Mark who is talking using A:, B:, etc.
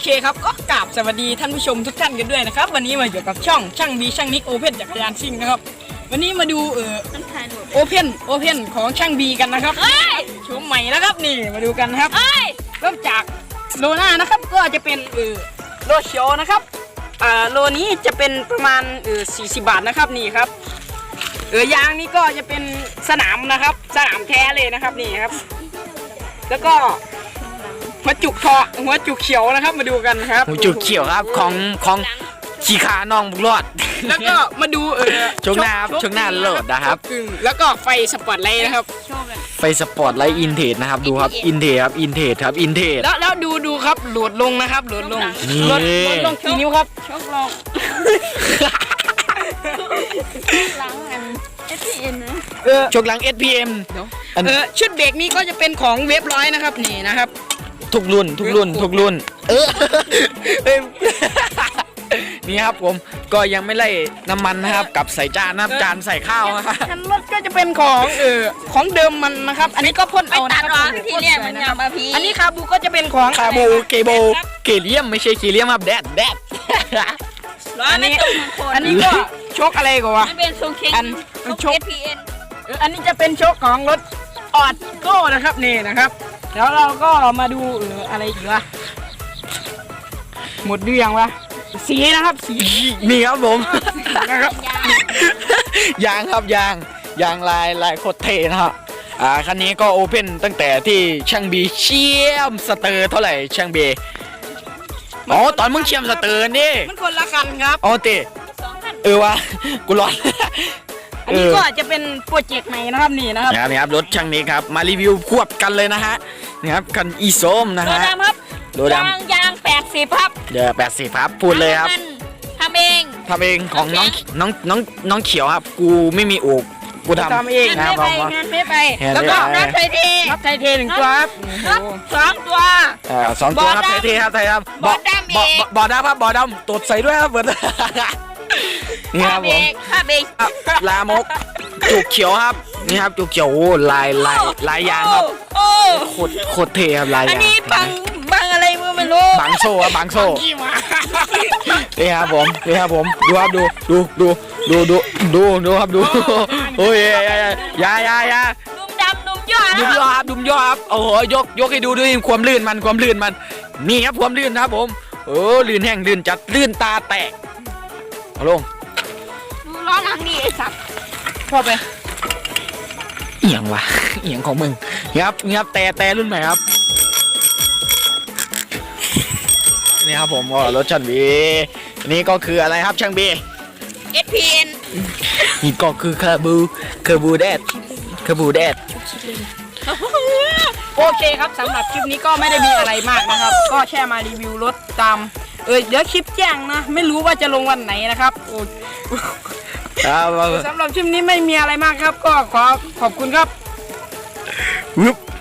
A: เคครับก็กราบสวัสดีท่านผู้ชมทุกท่านกันด้วยนะครับวันนี้มาอยู่กับช่างบีช่างนิกโอเพ่นจักรยานซิ่งนะครับวันนี้มาดูโอเพ่นของช่างบีกันนะครับโฉมใหม่นะครับนี่มาดูกันนะครับเริ่มจากโลหน้านะครับก็จะเป็นโลเขียวนะครับโลนี้จะเป็นประมาณ40 บาทนะครับนี่ครับยางนี้ก็จะเป็นสนามนะครับสนามแท้เลยนะครับนี่ครับแล้วก็หัวจุกเขียวนะครับมาดูกันครับ
B: หัวจุกเขียวครับของชีคาน้องบุกรอด
A: แล้วก็มาดู
B: ชกหน้าครับชกหน้าโหลดนะครับ
A: แล้วก็ไฟสปอตไลท์นะครับ
B: ไฟสปอตไลท์อินเทจนะครับดูครับอินเทจครับอินเทจ
A: แล้วดูครับโหลดลงนะครับโหลดลงกี่นิ้วครับชกลง
C: หลังอัน SPM นะ
B: ชกหลัง SPM
A: ชุดเบรกนี้ก็จะเป็นของเว็บร้อยนะครับนี่นะครับ
B: ทุกรุ่นนี่ครับผมก็ยังไม่ไล่น้ำมันนะครับกับใส่จานนะครับจานใส่ข้าวนะครับ
A: คันรถก็จะเป็นของเดิมมันนะครับอันนี้ก็พ่นเอานะครับ
C: ที่เนี่ยมันงามมาพี
A: อันนี้คาบูก็จะเป็นของ
B: คาบูเกเลียมไม่ใช่เกเลียมครับแดด
A: อันนี้ก็โชคอะไรกว่า
C: มันเป็นโชคเช็ค
A: โชค SPN อันนี้จะเป็นโชคของรถออดโก้นะครับนี่นะครับแล้วเราก็มาดูอะไรอีกวะหมดหรือยังวะสีนะครับสี
B: นี่ครับผมยางครับยางลายโคตรเท่นะครับคันนี้ก็โอเพ่นตั้งแต่ที่ช่างบีเชี่ยมสเตอร์เท่าไหร่ช่างบีอ๋อตอนมึงเชี่ยมสเตอร์นี่
A: มันคนละคันครับ
B: อ๋อเต้วะกูร้อน
A: อันนี้ก็จะเป็นโปรเจกต์ใหม่นะครับนี่นะครับ
B: นี่ครับรถช่างนี้ครับมารีวิวควบกันเลยนะฮะนี่ครับคันอีโซมนะฮะ
C: โดดำยาง80ครับ
B: เดี๋ยว80ครับพูดเลยครับ
C: ทำเอง
B: ของน้องเขียวครับกูไม่มีอกกูทำ
A: เอง
C: นะ
A: ผม
C: งานไม่ไป
A: แล้วก็
C: นับไทยเท
A: 1ตัวครับ
C: 2 ตัว
B: 2 ตัวครับไทยเทครับ
C: บอดดำ
B: บอดำตดใส่ด้วยครับเบิร์ดนี่ครับผมลามกจุกเขียวครับนี่ครับจุกเขียวลายยางครับโคตรเท่ครับลายยาง
C: อันนี้บังอะไรมือไม่รู้
B: บังโซ่ครับบังโซ่นี่ครับผมดูครับดูครับดูโอ้ยยา
C: ดุมดำดุมย่อ
B: ครับโอ้โหยกให้ดูด้วยความลื่นมันนี่ครับความลื่นนะครับผมลื่นแห้งลื่นจัดลื่นตาแตกเอาลง
C: ดูล้อหลังนี่ไอ้สัตว์
A: เข้าไป
B: เอียงวะเอียงของมึงครับแต่รุ่นใหม่ครับนี่ครับผมรถช่างบีนี่ก็คืออะไรครับช่างบี
C: SPN
B: นี่ก็คือคาบูแดด
A: โอเคครับสำหรับคลิปนี้ก็ไม่ได้มีอะไรมากนะครับก็แค่มารีวิวรถตามเดี๋ยวคลิปแจ้งนะไม่รู้ว่าจะลงวันไหนนะครับสำหรับคลิปนี้ไม่มีอะไรมากครับก็ขอบคุณครับ